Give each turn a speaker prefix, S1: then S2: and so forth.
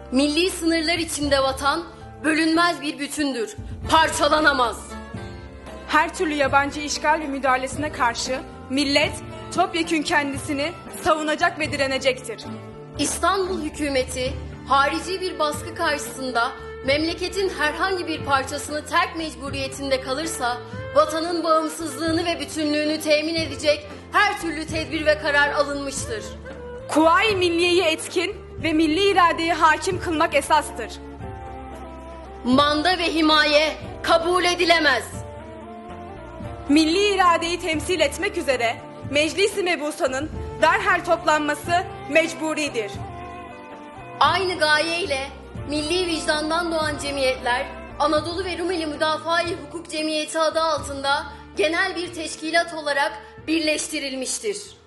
S1: Milli sınırlar içinde vatan bölünmez bir bütündür, parçalanamaz.
S2: Her türlü yabancı işgal ve müdahalesine karşı millet topyekün kendisini savunacak ve direnecektir.
S1: İstanbul hükümeti harici bir baskı karşısında memleketin herhangi bir parçasını terk mecburiyetinde kalırsa vatanın bağımsızlığını ve bütünlüğünü temin edecek her türlü tedbir ve karar alınmıştır.
S2: Kuvayi milliyeyi etkin ve milli iradeyi hakim kılmak esastır.
S1: Manda ve himaye kabul edilemez.
S2: Milli iradeyi temsil etmek üzere Meclis-i Mebusan'ın derhal toplanması mecburidir.
S1: Aynı gayeyle milli vicdandan doğan cemiyetler, Anadolu ve Rumeli Müdafaa-i Hukuk Cemiyeti adı altında genel bir teşkilat olarak birleştirilmiştir.